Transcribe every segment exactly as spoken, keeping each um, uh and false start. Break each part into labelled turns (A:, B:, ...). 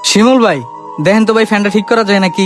A: শিমুল ভাই দেখেন তো ভাই ফ্যানটা ঠিক করা যায় নাকি?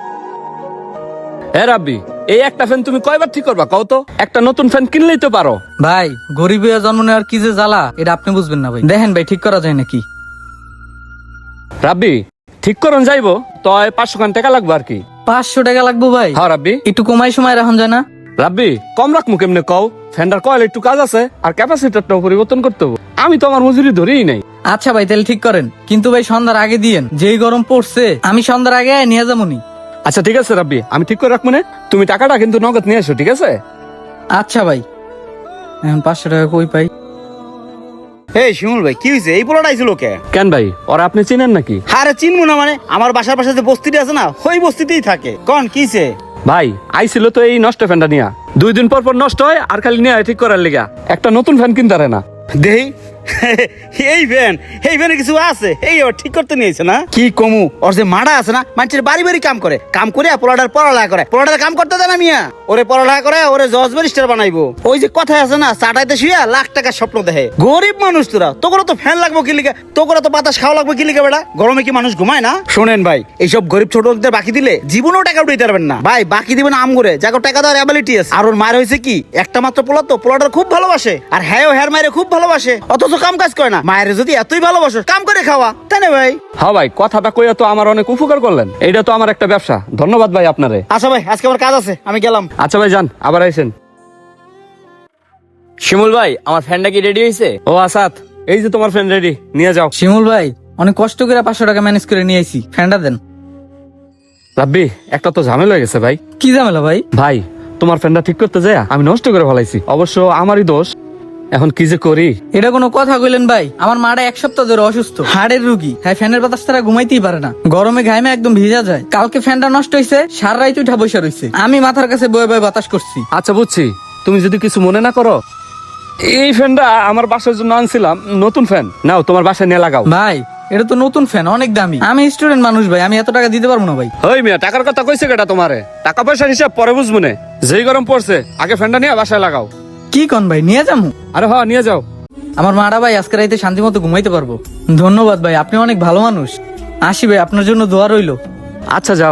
B: হ্যাঁ রাব্বি, এই একটা ফ্যান তুমি কয়বার ঠিক করবা কও তো? একটা নতুন ফ্যান কিনলেই তো পারো।
A: ভাই গরিব হইয়া জন্ম নেওয়ার কি যে জ্বালা এটা আপনি বুঝবেন না ভাই। দেখেন ভাই ঠিক করা যায় নাকি?
B: রাব্বি ঠিক করন যাইবো তো পাঁচশো খান টাকা লাগবে আর কি।
A: পাঁচশো টাকা লাগবো ভাই?
B: হ্যাঁ রাব্বি।
A: একটু কমাই সময় রাখুন যায় না?
B: রাব্বি কম রাখবো কেমনে কও? ফ্যানটার কয়েল একটু কাজ আছে আর ক্যাপাসিটারটাও পরিবর্তন করতে হবে। আমি তো আমার মজুরি ধরেই নাই।
A: আচ্ছা ভাই তাহলে ঠিক করেন, কিন্তু ভাই সন্ধ্যার আগে দিয়েন, যেই গরম পড়ছে আমি সন্ধ্যার আগে নিয়ে যাবনি।
B: আচ্ছা ঠিক আছে রাব্বি, আমি ঠিক করে রাখবো না। তুমি টাকাটা কিন্তু নগদ নিয়ে এসো, ঠিক আছে?
A: আচ্ছা ভাই। এখন পাঁচশো টাকা কই পাই?
C: এই শিমুল ভাই কি হয়েছে? এই পোলাটা আইছিল কে?
B: কেন ভাই, ওরা আপনি চিনেন নাকি?
C: আরে চিনবো না মানে, আমার বাসার পাশে যে বস্তিটা আছে না, ওই বস্তিতেই থাকে। কোন কিছে?
B: ভাই আইছিল তো এই নষ্ট ফ্যানটা নিয়া, দুই দিন পর পর নষ্ট হয় আর খালি নিয়ে ঠিক করার লিগা। একটা নতুন ফ্যান কিনতে পারে না।
C: দেই এই ভ্যান এই ভ্যানে কিছু আছে, এই ওর ঠিক করতে নিয়েছে না কি কমু? ওর যে মাডা আছে না, মানুষের বাড়ি বাড়ি কাম করে, কাম করে পোলাটার পড়ালেখা করে, পোলাটার কাম করতে দেয় না মিয়া। ওরে পড়ালেখা করে, ওরে জজ ব্যারিস্টার বানাইবো। ওই যে কথা আছে না, চাটাইতে শুয়া লাখ টাকার স্বপ্ন দেখে। গরিব মানুষ তোরা, তোকে তো ফ্যান লাগবো কি লিখে, তোকে তো বাতাস খাওয়া লাগবে কি লিখে বেড়া? গরমে কি মানুষ ঘুমায় না? শোনেন ভাই, এইসব গরিব ছোট লোকদের বাকি দিলে জীবনেও টাকা উঠাইতে পারবেন না ভাই। বাকি দিবেন আম করে, যাকে টাকা দেওয়ার অ্যাবিলিটি আছে। আর ওর মায়ের হয়েছে কি, একটা মাত্র পোলা তো, পোলাটার খুব ভালোবাসে, আর হ্যাঁ হ্যার মায়ের খুব ভালোবাসে, অথচ কাম কাজ করে না। মায়ের যদি এতই ভালোবাসো, কাম করে খাওয়া, তাই না ভাই?
B: হ্যাঁ ভাই, কথাটা কইয়া তো আমার অনেক উপকার করলেন। এইটা তো আমার একটা ব্যবসা। ধন্যবাদ ভাই আপনারে।
C: আচ্ছা ভাই, আজকে আমার কাজ আছে, আমি গেলাম।
B: আচ্ছা ভাই যান, আবার আইসেন।
D: শিমুল ভাই, আমার ফ্যানটা কি রেডি হয়েছে?
B: ও আসাদ, এই যে তোমার ফ্রেন্ড রেডি, নিয়ে যাও।
A: শিমুল ভাই অনেক কষ্ট করে পাঁচশো টাকা ম্যানেজ করে নিয়ে আইছি, ফ্যানটা দেন।
B: রাব্বি একটা তো ঝামেলা হয়ে গেছে ভাই।
A: কি ঝামেলা ভাই?
B: ভাই তোমার ফ্রেন্ডটা ঠিক করতে যায় আমি নষ্ট করে ফেলাইছি, অবশ্য আমারই দোষ। এখন কি যে করি?
A: এটা কোনো কথা কইলেন ভাই? আমার মাটা এক সপ্তাহ ধরে অসুস্থ, হাড়ের রুগী। হ্যাঁ ফ্যানের বাতাস তারা ঘুমাইতেই পারে না, গরমে ঘামে একদম ভিজা যায়। কালকে ফ্যানটা নষ্ট হয়েছে, সারা রাত উঠা বসে রয়েছে, আমি মাথার কাছে বয়ে বয়ে বাতাস করছি।
B: আচ্ছা বুঝছি, তুমি যদি কিছু মনে না করো, এই ফ্যানটা আমার বাসার জন্য আনছিলাম, নতুন ফ্যান। নাও তোমার বাসায় নিয়ে লাগাও।
A: ভাই এটা তো নতুন ফ্যান, অনেক দামি। আমি স্টুডেন্ট মানুষ ভাই, আমি এত টাকা দিতে পারবো না ভাই।
B: ওই মিয়া, টাকার কথা কইছে কেটা তোমারে? টাকা পয়সার হিসাব পরে বুঝবো না। যেই গরম পড়ছে আগে ফ্যানটা নিয়ে বাসায় লাগাও।
A: কি কন ভাই, নিয়ে যাবো?
B: আরে হ্যাঁ নিয়ে যাও।
A: আমার মারা ভাই আজকে রাইতে শান্তি মতো ঘুমাইতে পারবো। ধন্যবাদ ভাই, আপনি অনেক ভালো মানুষ। আসি ভাই, আপনার জন্য দোয়া রইলো।
B: আচ্ছা যাও।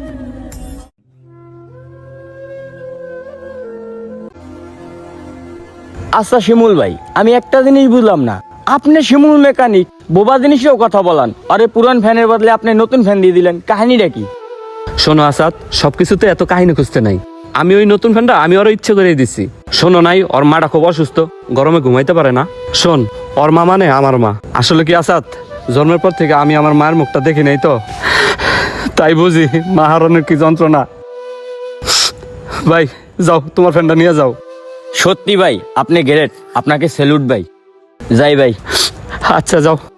D: আচ্ছা শিমুল ভাই, আমি একটা জিনিস বুঝলাম না, আপনি শিমুল মেকানিক, বোবা জিনিসেও কথা বলান, আরে পুরান ফ্যানের বদলে আপনি নতুন ফ্যান দিয়ে দিলেন, কাহিনীটা কি?
B: শোনো আসাদ, সবকিছুতে এত কাহিনী খুঁজতে নাই। আমি ওই নতুন ফ্যানটা আমি ওর ইচ্ছে করে দিচ্ছি। শোনো নাই, ওর মাটা খুব অসুস্থ, গরমে ঘুমাইতে পারে না। শোন, ওর মা মানে আমার মা। আসলে কি আসাদ, জন্মের পর থেকে আমি আমার মায়ের মুখটা দেখি নাই তো, তাই বুঝি মা হারানোর কি যন্ত্রণা। ভাই যাও, তোমার ফ্যানটা নিয়ে যাও।
D: সত্যি ভাই, আপনি গ্রেট, আপনাকে স্যালুট ভাই। যাই ভাই।
B: আচ্ছা যাও।